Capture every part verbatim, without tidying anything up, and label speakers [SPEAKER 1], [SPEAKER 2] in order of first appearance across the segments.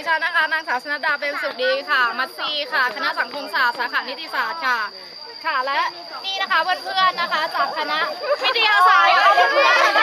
[SPEAKER 1] ดิฉันนะคะนางสาวชนดาเป็นสุขดีค่ะมัตซีค่ะคณะสังคมศาสตร์สาขานิติศาสตร์ค่ะค่ะและนี่นะคะเพื่อนๆนะคะจากคณะวิทยาศาสตร์เพื่อนๆ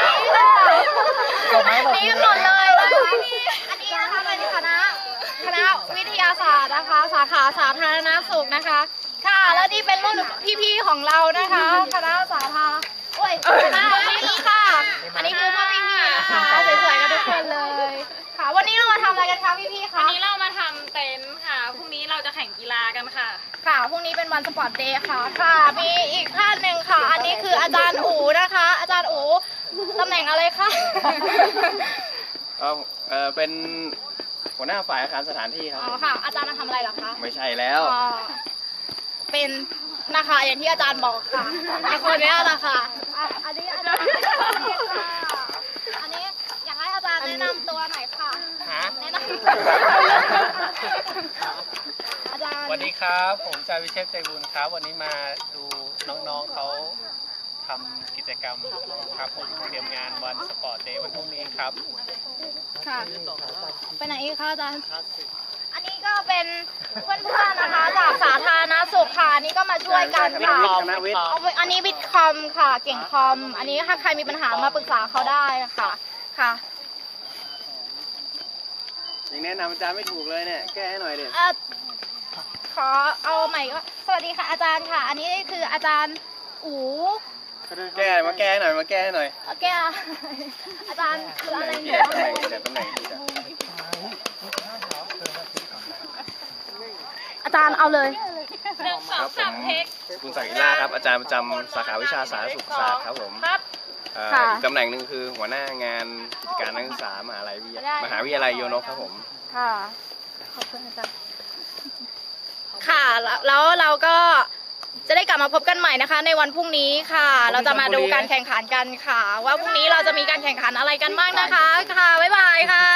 [SPEAKER 1] นี่หมดเลยนะคะอันนี้นะคะเป็นคณะคณะวิทยาศาสตร์นะคะสาขาสาธารณสุขนะคะค่ะแล้วนี่เป็นรุ่นพี่ๆของเรานะคะคณะสาธาโอ้ยคณะนี้ค่ะอันนี้คือพวกพี่ๆนะคะสวยๆกันทุกคนเลยค่ะวันนี้เรามาทำอะไรกันคะพี่ๆคะ
[SPEAKER 2] วันนี้เรามาทำเต็นท์ค่ะพรุ่งนี้เราจะแข่งกีฬากันค่ะ
[SPEAKER 1] ค่ะพรุ่งนี้เป็นวันสปอร์ตเดย์ค่ะค่ะมีอีกท่านหนึ่งค่ะอันนี้คืออาจารย์อู๋นะคะอาจารย์อู๋ตำแหน่งอะไรคะ
[SPEAKER 3] เออเออเป็นหัวหน้าฝ่ายอาคารสถานที่ครับ
[SPEAKER 1] อ๋อค่ะอาจารย์มาทำอะไรเหรอคะ
[SPEAKER 3] ไม่ใช่แล้ว
[SPEAKER 1] อ๋อเป็นนะคะอย่างที่อาจารย์บอกค่ะไอคนนี้นะคะอันนี้อาจารย์อันนี้อยากให้อาจารย์แนะนำตัวหน่อยค่ะแนะนำอาจารย์
[SPEAKER 4] สวัสดีครับผมจ่าวิเชษฐ์ใจบุญครับวันนี้มาดูน้องๆเขาทำกิจกรรมครับผมเตรียมงานวันสปอร์ตเดย์วันพรุ่งนี้ครับ
[SPEAKER 1] ค่ะไปไหนอีกคะอาจารย์อันนี้ก็เป็นเพื่อนๆนะคะจากสาธารณสุขค่ะอันนี้ก็มาช่วยกันค่ะอันนี้วิทย์คอมค่ะเก่งคอมอันนี้ถ้าใครมีปัญหามาปรึกษาเขาได้ค่ะค่ะ
[SPEAKER 3] ยังแนะนำอาจารย์ไม่ถูกเลยเนี่ยแก้ให้หน่อยดิ
[SPEAKER 1] ขอเอาใหม่ก็สวัสดีค่ะอาจารย์ค่ะอันนี้คืออาจารย์อู๋
[SPEAKER 3] แก้มาแก้ให้หน่อยมาแก้ให้หน่อย
[SPEAKER 1] แก้อาจารย์คืออะไร
[SPEAKER 3] เนี่ยตำแหน่งที่ตำแหน่งที่
[SPEAKER 1] อาจารย์เอาเลย
[SPEAKER 2] หนึ่งสองสามเทค
[SPEAKER 3] คุณศักดิ์ล่าครับอาจารย์ประจำสาขาวิชาสาธารณสุขศาสตร์ครับผมอีกตำแหน่งหนึ่งคือหัวหน้างานกิจการนักศึกษามหาวิทยาลัยมหาวิทยาลัยโยนกครับผม
[SPEAKER 1] ค่ะขอบคุณอาจารย์ค่ะแล้วเราก็จะได้กลับมาพบกันใหม่นะคะในวันพรุ่งนี้ค่ะเราจะมาดูการแข่งขันกันค่ะว่าพรุ่งนี้เราจะมีการแข่งขันอะไรกันบ้างนะคะค่ะบ๊ายบายค่ะ